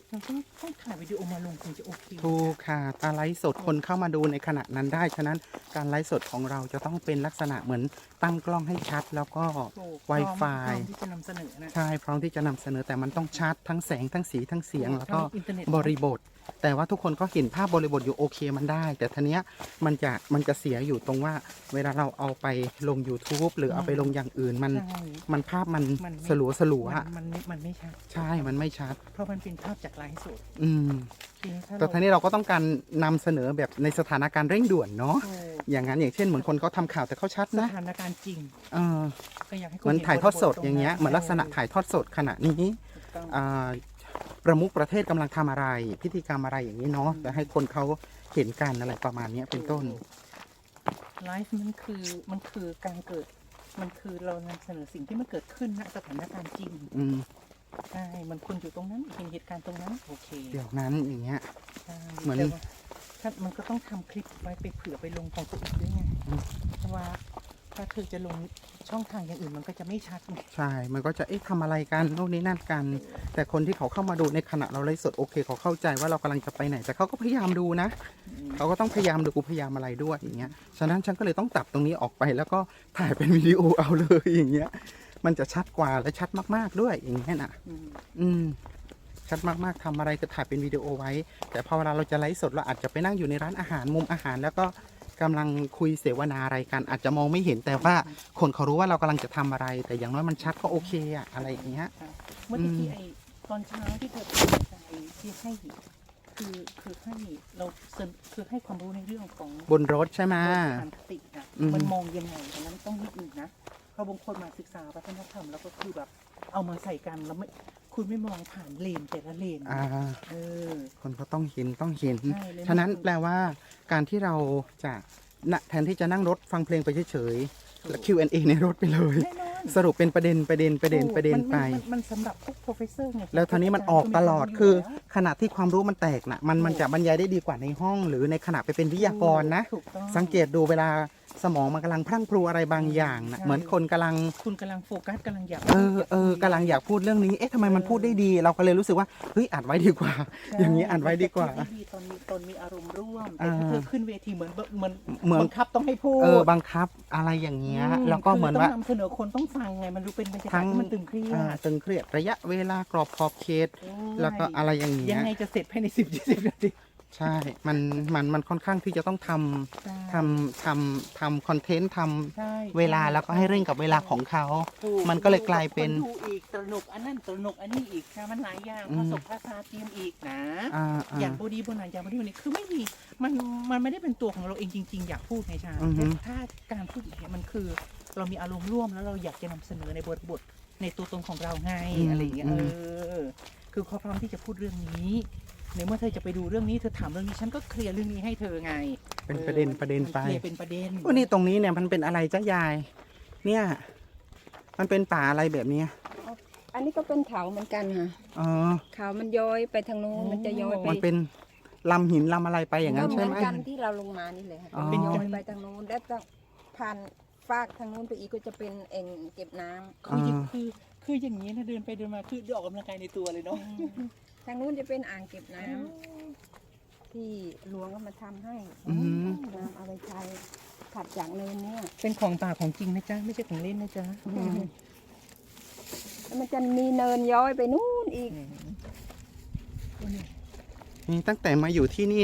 เราต้องถ่ายวิดีโอมาลงถึงจะโอเคถูกค่ะการไลฟ์สดคนเข้ามาดูในขณะนั้นได้ฉะนั้นการไลฟ์สดของเราจะต้องเป็นลักษณะเหมือนตั้งกล้องให้ชัดแล้วก็ถูก Wi-Fi พร้อมที่จะนำเสนอนะใช่พร้อมที่จะนำเสนอแต่มันต้องชัดทั้งแสงทั้งสีทั้งเสียง แล้วก็ทั้งอินเทอร์เน็ตบริบท แต่ว่าทุกคนก็เห็นภาพบริบทอยู่โอเคมันได้ แต่ทีเนี้ยมันจะเสียอยู่ตรงว่า เวลาเราเอาไปลง YouTube หรือเอาไปลงอย่างอื่นมันใช่มันภาพมันมันไม่สลัวอะมันไม่ชัดใช่มันไม่ชัดเพราะมันเป็นภาพจากไลฟ์สดอืมทีนี้ถ้าแต่ทีนี้เราก็ต้องการนำเสนอแบบในสถานการณ์เร่งด่วนเนาะโอ้อย่างนั้นอย่างเช่นเหมือนคนเขาทำข่าวแต่เขาชัดสนะถานการณ์จริงเออก็อยากให้คุณเหมือนถ่ายทอดสดห็นบทอย่างเงี้ยเหมือนลักษณะถ่ายทอดสดขณะนี้ถูกต้องอ่าประมุขประเทศกำลังทำอะไร พิธีกรรมอะไรอย่างนี้เนาะแต่ให้คนเขาเห็นกันอะไรประมาณเนี้ยเป็นต้นไลฟ์มันคือการเกิด มันคือเรานำเสนอสิ่งที่มันเกิดขึ้นณสถานการณ์จริงอืมใช่มันคุณอยู่ตรงนั้นเห็นเหตุการณ์ตรงนั้นโอเคเดี๋ยวนั้นอย่างเงี้ยใช่เหมือนแต่ว่าถ้ามันก็ต้องทำคลิปไว้ไปเผื่อไปลงของตัวเองด้วยไงอืมเพราะว่าถ้าเธอจะลงช่องทางอย่างอื่นมันก็จะไม่ชัดไงใช่ มันก็จะเอ๊ะทำอะไรกันโน่นนี่นั่นกัน แต่คนที่เขาเข้ามาดูในขณะเราไลฟ์สดโอเคเขาเข้าใจว่าเรากำลังจะไปไหน แต่เขาก็พยายามดูนะ เขาก็ต้องพยายามดูพยายามอะไรด้วยอย่างเงี้ย ฉะนั้นฉันก็เลยต้องตัดตรงนี้ออกไปแล้วก็ถ่ายเป็นวิดีโอเอาเลยอย่างเงี้ย มันจะชัดกว่าและชัดมากๆด้วยอย่างเงี้ยนะอืมอืม ชัดมากๆทำอะไรก็ถ่ายเป็นวิดีโอไว้ แต่พอเวลาเราจะไลฟ์สดเราอาจจะไปนั่งอยู่ในร้านอาหารมุมอาหาร แล้วก็กำลังคุยเสวนาอะไรกัน อาจจะมองไม่เห็นแต่ว่าคนเขารู้ว่าเรากำลังจะทำอะไร แต่อย่างน้อยมันชัดก็โอเคอะอะไรอย่างเงี้ยเมื่อตะกี้ไอ้ตอนเช้าที่เธอพูดใจที่ให้คือให้เราคือให้ความรู้ในเรื่องของบนรถใช่ไหมทางคตินะอืมมันมองยังไงอันนั้นต้องนิดนึงนะเพราะบางคนมาศึกษาวัฒนธรรมแล้วก็คือแบบเอามาใส่กันแล้วไม่คุณไม่มองผ่านเลนแต่ละเลนอ่าเออคนเขาต้องเห็นต้องเห็นใช่เลยฉะนั้นแปลว่าการที่เราจะแทนที่จะนั่งรถฟังเพลงไปเฉยๆแล้ว Q&A ในรถไปเลยแน่นอนสรุปเป็นประเด็นไปมันสำหรับพวก professor ไงแล้วทีนี้มันออกตลอดคือขณะที่ความรู้มันแตกนะมันจะบรรยายได้ดีกว่าในห้อง หรือในขณะไปเป็นวิทยากรนะถูกต้องสังเกตดูเวลาสมองมันกำลังพรั่งพรูอะไรบางอย่างนะใช่เหมือนคนกำลังคุณกำลังโฟกัสกำลังอยากกำลังอยากพูดเรื่องนี้เอ๊ะทำไมมันพูดได้ดี เราก็เลยรู้สึกว่าเฮ้ยอัดไว้ดีกว่า อย่างนี้อัดไว้ดีกว่าดีตอนมีอารมณ์ร่วมแต่ถ้าเธอขึ้นเวทีเหมือนเหมือนบังคับต้องให้พูดบังคับอะไรอย่างเงี้ยแล้วก็เหมือนต้อว่างนำเสนอคนต้องฟังไงมันดูเป็นบรรยากาศทั้งที่มันตึงเครียดตึงเครียดระยะเวลากรอบขอบเขต แล้วก็อะไรอย่างยัเงี้งยไงจะเสร็จภายใน10-20 นาทีใช่ มันค่อนข้างที่จะต้องทำคอนเทนต์ทใช่ำเวลาแล้วก็ให้เร่งกับเวลาของเขาถูกมันก็เลยกลายเป็นคดูอีกตระหนกอันนั้นตระหนกอันนี้อีกค่ะมันหลายอย่างผสมภาษาเตรียมอีกนะอ่าอย่างบดีบนไหนอย่างบดีบนนี้คือไม่มีมันไม่ได้เป็นตัวของเราเองจริง ๆ อยากพูดไงชาอือฮึถ้าการพูดอย่างเงี้ยมันคือ เรามีอารมณ์ร่วมแล้วเราอยากจะนำเสนอในบทในตัวตนของเราไงอะไรอย่างเงี้ยคือเขาพร้อมที่จะพูดเรื่องนี้ในเมื่อเธอจะไปดูเรื่องนี้เธอถามเรื่องนี้ฉันก็เคลียร์เรื่องนี้ให้เธอไงเป็นประเด็นไปมันเคลียร์เป็นประเด็นวันนี้ตรงนี้เนี่ยมันเป็นอะไรจ้ายาย เนี่ย มันเป็นป่าอะไรแบบเนี้ยอันนี้ก็เป็นเขาเหมือนกันค่ะอ๋อเขามันย้อยไปทางนู้นมันจะย้อยไปมันเป็นลำหินลำอะไรไปอย่างนั้นก็เหใช่มืไหอมนกันที่เราลงมานี่เลยค่ะอ๋อเป็นย้อยไปทางนู้นแล้วก็ผ่านฟากทางนู้นไปอีกก็จะเป็นเอ่งเก็บน้ำคืออย่างนี้นะเดินไปเดินมาคือได้ออกกำลังกายในตัวเลยเนาะทางนู้นจะเป็นอ่างเก็บน้ำที่หลวงก็มาทำให้อืมน้ำเอาไปใช้ถัดจากเนินเนี่ยเป็นของป่าของจริงนะจ๊ะไม่ใช่ของเล่นนะจ๊ะแล้วมันจะมีเนินย้อยไปนู่นอีกนี่ตั้งแต่มาอยู่ที่นี่